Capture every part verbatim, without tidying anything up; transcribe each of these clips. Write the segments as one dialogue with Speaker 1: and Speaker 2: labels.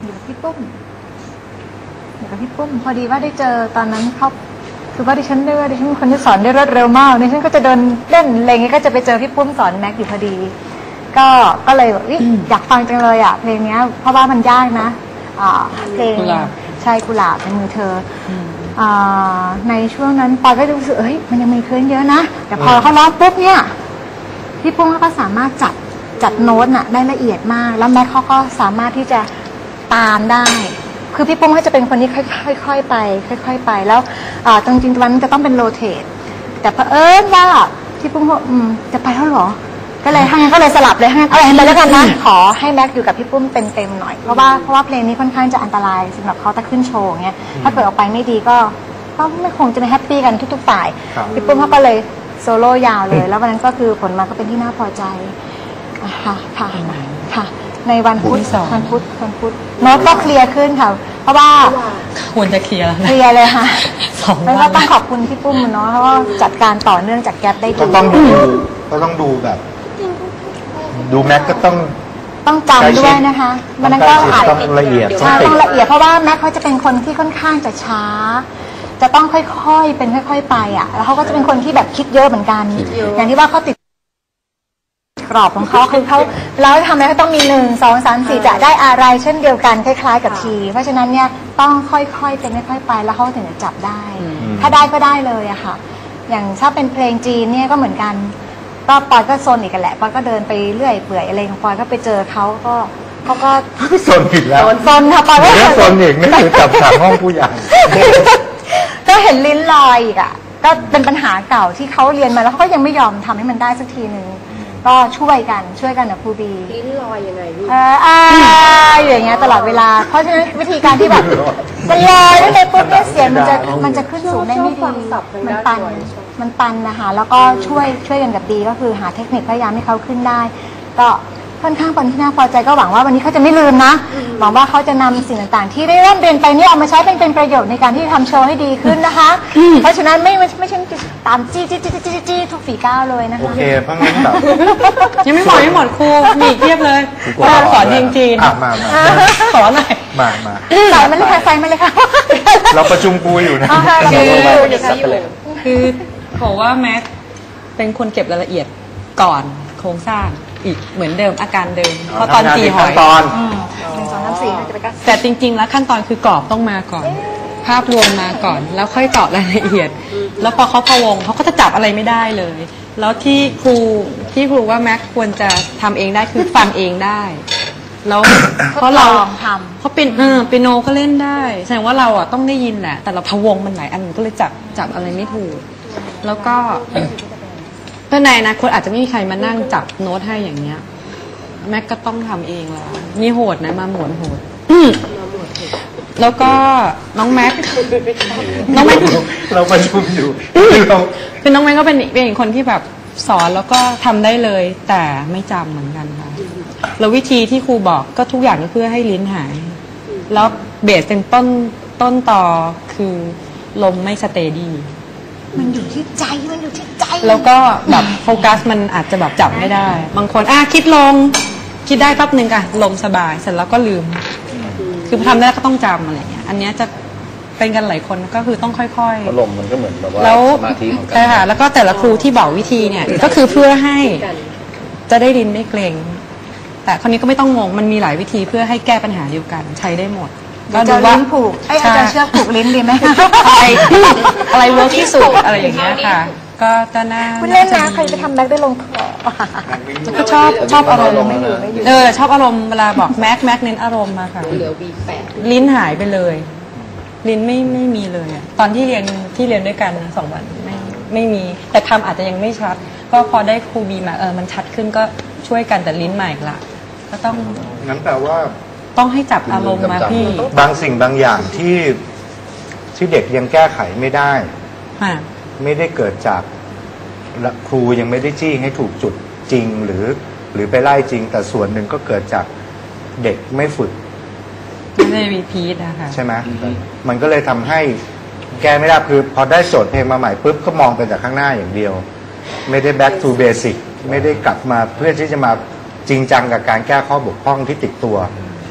Speaker 1: อยู่กับพี่ปุ้มอยู่กับพี่ปุ้มพอดีว่าได้เจอตอนนั้นเขาคือว่าดิฉันได้ว่าดิฉันเป็นคนที่สอนได้รวดเร็วมากดิฉันก็จะเดินเล่นอะไรเงี้ยก็จะไปเจอพี่ปุ้มสอนแม็กอยู่พอดีก็ก็เลยอยากฟังจังเลยอ่ะเพลงนี้เพราะว่ามันยากนะเพลงใช่กุหลาบในมือเธอในช่วงนั้นปอยก็รู้สึกเอ้ยมันยังมีเคลื่อนเยอะนะแต่พอเขาร้องปุ๊บเนี่ยพี่ปุ้มเขาก็สามารถจัดจัดโน้ตน่ะได้ละเอียดมากแล้วแม็กเขาก็สามารถที่จะตามได้คือพี่ปุ้มเขาจะเป็นคนที่ค่อยๆไปค่อยๆไปแล้วจริงๆวันนั้นจะต้องเป็นโรเตทแต่เผอิญว่าพี่ปุ้มเขาจะไปแล้วหรอก็เลยทั้งนั้นก็เลยสลับเลยทั้งนั้นเอาไปแล้วกันนะขอให้แม็กอยู่กับพี่ปุ้มเต็มๆหน่อยเพราะว่าเพราะว่าเพลงนี้ค่อนข้างจะอันตรายสำหรับเขาถ้าขึ้นโชว์เงี้ยถ้าเกิดออกไปไม่ดีก็ก็ไม่คงจะไม่แฮปปี้กันทุกๆฝ่ายพี่ปุ้มเขาก็เลยโซโล่ยาวเลยแล้ววันนั้นก็คือผลมาก็เป็นที่น่าพอใจค่ะค่ะค่ะในวันพุธวันพุธวันพุธโน้ตก็เคลียร์ขึ้นค่ะเพราะว่า
Speaker 2: ควรจะเคลียร์แล้ว
Speaker 1: เคลียร์เลยค่ะแล้วก็ต้องขอบคุณพี่ปุ้มเนาะเพราะว่าจัดการต่อเนื่องจากแก๊ปได้ดี
Speaker 3: ก็ต้องดูก็ต้องดูแบบดูแม็กก็ต้อง
Speaker 1: ต้องจำด้วยนะคะมันนั้นก็อาจ
Speaker 3: ต้องละเอียด
Speaker 1: ใช่ต้องละเอียดเพราะว่าแม็กเขาจะเป็นคนที่ค่อนข้างจะช้าจะต้องค่อยๆเป็นค่อยๆไปอ่ะแล้วเขาก็จะเป็นคนที่แบบคิดเยอะเหมือนกันอย่างที่ว่าเขาติดกรอบของเขาคือเขาแล้วทำอะไรก็ต้องมีหนึ่งสองสามสี่จะได้อะไรเช่นเดียวกันคล้ายๆกับทีเพราะฉะนั้นเนี่ยต้องค่อยๆเป็นค่อยๆไปแล้วเขาถึงจะจับได้ถ้าได้ก็ได้เลยอะค่ะอย่างถ้าเป็นเพลงจีนเนี่ยก็เหมือนกันก็ปอยก็โซนอีกกันแหละปอยก็เดินไปเรื่อยเปื่อยอะไรของปอยก็ไปเจอเขาก็เขาก็
Speaker 3: โซนผิดแล้ว
Speaker 1: โซนค่ะปอยก็
Speaker 3: โซนอีกนี่คือจับขังห้องผู้ใหญ่
Speaker 1: ก็เห็นลิ้นลอยอีกอะก็เป็นปัญหาเก่าที่เขาเรียนมาแล้วเขาก็ยังไม่ยอมทำให้มันได้สักทีหนึ่งก็ช่วยกันช่วยกันนะครูบี
Speaker 4: ลิ้นลอยยังไงลูก
Speaker 1: เอออ่าอย่างเงี้ยตลอดเวลาเพราะฉะนั้นวิธีการที่แบบมันลอยแล้วในปุ๊บเนี่ยเสียงมันจะมันจะขึ้นสูงได้ไม่ดีมันตันมันตันนะคะแล้วก็ช่วยช่วยกันกับดีก็คือหาเทคนิคพยายามให้เขาขึ้นได้ก็ค่อนข้างเป็นที่น่าพอใจก็หวังว่าวันนี้เขาจะไม่ลืมนะหวังว่าเขาจะนำสิ่งต่างๆที่ได้เริ่มเรียนไปเนี่ยเอามาใช้เป็นเป็นประโยชน์ในการที่ทำโชว์ให้ดีขึ้นนะคะเพราะฉะนั้นไม่ไม่ใช่ตามจี้จี้จี้จี้จี้ทุกฝีก้าวเลยนะคะ
Speaker 3: โอเคเพราะงั้นแบบ
Speaker 2: ยังไม่หมดไม่หมดครูมีเทียบเลยสอนจริง
Speaker 3: ๆมามา
Speaker 2: สอนหน่อย
Speaker 3: มามา
Speaker 1: ใส่มันเลยค่ะใส่มันเลยค่ะ
Speaker 3: เราประชุมคุยอยู่นะ
Speaker 2: คือบอกว่าแม็กเป็นคนเก็บรายละเอียดก่อนโครงสร้างอีกเหมือนเดิมอาการเดิมเพราะตอนตีหอย
Speaker 3: ตอน
Speaker 1: หนึ่งสองสามสี่จะไปกัน
Speaker 2: แต่จริงๆแล้วขั้นตอนคือกรอบต้องมาก่อนภาพรวมมาก่อนแล้วค่อยเจาะรายละเอียดแล้วพอเขาพะวงเขาก็จะจับอะไรไม่ได้เลยแล้วที่ครูที่ครูว่าแม็กควรจะทำเองได้คือฟังเองได้แล้วเพราะเรา
Speaker 1: ทำ
Speaker 2: เขาเป็นเออเปียโนก็เล่นได้แสดงว่าเราอ่ะต้องได้ยินแหละแต่เราพะวงมันหลายอันก็เลยจับจับอะไรไม่ถูกแล้วก็ถ้าในอนาคตอาจจะไม่มีใครมานั่งจับโน้ตให้อย่างเงี้ยแม็กก็ต้องทำเองแล้วมีโหดนะมาหมวนโหดแล้วก็น้องแม็กน้องแม็ก
Speaker 3: เราประชุมอยู่
Speaker 2: คือน้องแม็กก็เป็นเป็นคนที่แบบสอนแล้วก็ทำได้เลยแต่ไม่จำเหมือนกันค่ะแล้ววิธีที่ครูบอกก็ทุกอย่างก็เพื่อให้ลิ้นหายแล้วเบสเป็นต้นต้นต่อคือลมไม่สเตดี้
Speaker 1: มันอยู่ที่ใจมันอยู่ที่ใจ
Speaker 2: แล้วก็แบบโฟกัสมันอาจจะแบบจับไม่ได้บางคนอ่ะคิดลงคิดได้แป๊บนึงอ่ะลมสบายเสร็จแล้วก็ลืมคือทำได้ก็ต้องจำอะไรเงี้ยอันนี้จะเป็นกันหลายคนก็คือต้องค่อย
Speaker 3: ๆลมมันก็เหมือนแบบว่าสมาธิของกัน
Speaker 2: ใช่ค่ะแล้วก็แต่ละครูที่บอกวิธีเนี่ยก็คือเพื่อให้จะได้ลิ้นไม่เกร็งแต่คราวนี้ก็ไม่ต้องงงมันมีหลายวิธีเพื่อให้แก้ปัญหาเดียวกันใช้ได้หมด
Speaker 1: ก็ดูว่าผูกไอ้อาจารย์เชือกผูกลิ้นดีไหม
Speaker 2: อะไรอะไรเวิร์กที่สุดอะไรอย่างเงี้ยค่ะก็จะน่า
Speaker 1: คุณเล่นนะใครจะทำแม็กได้ลงคอ
Speaker 2: ก็ชอบชอบอารมณ์เออชอบอารมณ์เวลาบอกแม็กแม็กเน้นอารมณ์มาค่ะลิ้นหายไปเลยลิ้นไม่ไม่มีเลยตอนที่เรียนที่เรียนด้วยกันสองวันไม่ไม่มีแต่คำอาจจะยังไม่ชัดก็พอได้ครูบีมาเออมันชัดขึ้นก็ช่วยกันแต่ลิ้นใหม่ละก็ต้อง
Speaker 3: งั้นแปลว่า
Speaker 2: ต้องให้จับอารมณ์มาพี่
Speaker 3: บางสิ่งบางอย่างที่ที่เด็กยังแก้ไขไม่ได้ไม่ได้เกิดจากครูยังไม่ได้จี้ให้ถูกจุดจริงหรือหรือไปไล่จริงแต่ส่วนหนึ่งก็เกิดจากเด็กไม่ฝึก
Speaker 2: ไม่ได้รีพีทนะคะ
Speaker 3: ใช่ไหมมันก็เลยทำให้แก้ไม่ได้คือพอได้โจทย์เพลงมาใหม่ปุ๊บก็มองไปจากข้างหน้าอย่างเดียวไม่ได้ back to basic ไม่ได้กลับมาเพื่อที่จะมาจริงจังกับการแก้ข้อบกพร่องที่ติดตัว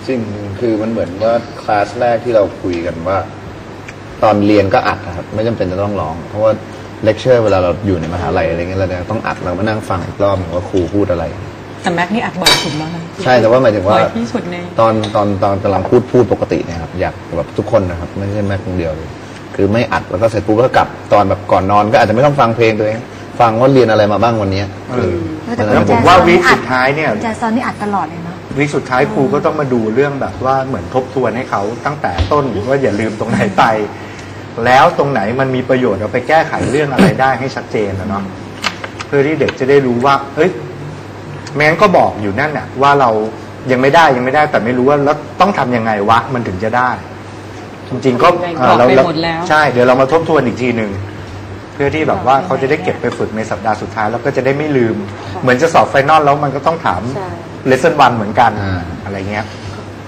Speaker 4: จริงคือมันเหมือนว่าคลาสแรกที่เราคุยกันว่า ตอนเรียนก็อัดนะครับไม่จำเป็นจะต้องร้อง เพราะว่าเลคเชอร์เวลาเราอยู่ในมหาลัยอะไรเงี้ยเราต้องอัดเรามานั่งฟังอีกรอบว่าครูพูดอะไร
Speaker 2: แต่แม็กนี่อัดบ่อยสุดแล้วนะ
Speaker 4: ใช่แต่ว่าหมายถึงว่า
Speaker 2: บ่อยที่สุดใน
Speaker 4: ตอนตอนตอนกำลังพูดพูดปกติเนะครับอยากแบบทุกคนนะครับไม่ใช่แม็กคนเดียวเลยคือไม่อัดแล้วก็เสร็จปุ๊บก็กลับตอนแบบก่อนนอนก็อาจจะไม่ต้องฟังเพลงตัวเองฟังว่าเรียนอะไรมาบ้างวันนี้
Speaker 3: เออ
Speaker 1: แต่
Speaker 3: แล้วผมว่าวีคสุดท้ายเนี่ย
Speaker 1: แจซอนนี่อัดตลอดเลยเนาะ
Speaker 3: วีคสุดท้ายครูก็ต้องมาดูเรื่องแบบว่าเหมือนทบทวนให้เขาตั้งแต่ต้นว่าอย่าลืมตรงไหนไป แล้วตรงไหนมันมีประโยชน์เอาไปแก้ไขเรื่องอะไรได้ให้ชัดเจนนะเนาะเพื่อที่เด็กจะได้รู้ว่าเฮ้ยแม้นก็บอกอยู่นั่นน่ะว่าเรายังไม่ได้ยังไม่ได้แต่ไม่รู้ว่าแล้วต้องทำยังไงวะมันถึงจะได้ จริงๆก็
Speaker 2: บอก
Speaker 3: เรา
Speaker 2: ไปหมดแล้ว
Speaker 3: ใช่เดี๋ยวเรามาทบทวนอีกทีหนึ่งเพื่อที่แบบว่าเขาจะได้เก็บไปฝึกในสัปดาห์สุดท้ายแล้วก็จะได้ไม่ลืม เหมือนจะสอบไฟนอลแล้วมันก็ต้องถามเลสเซ่นวันเหมือนกันอะไรเงี้ย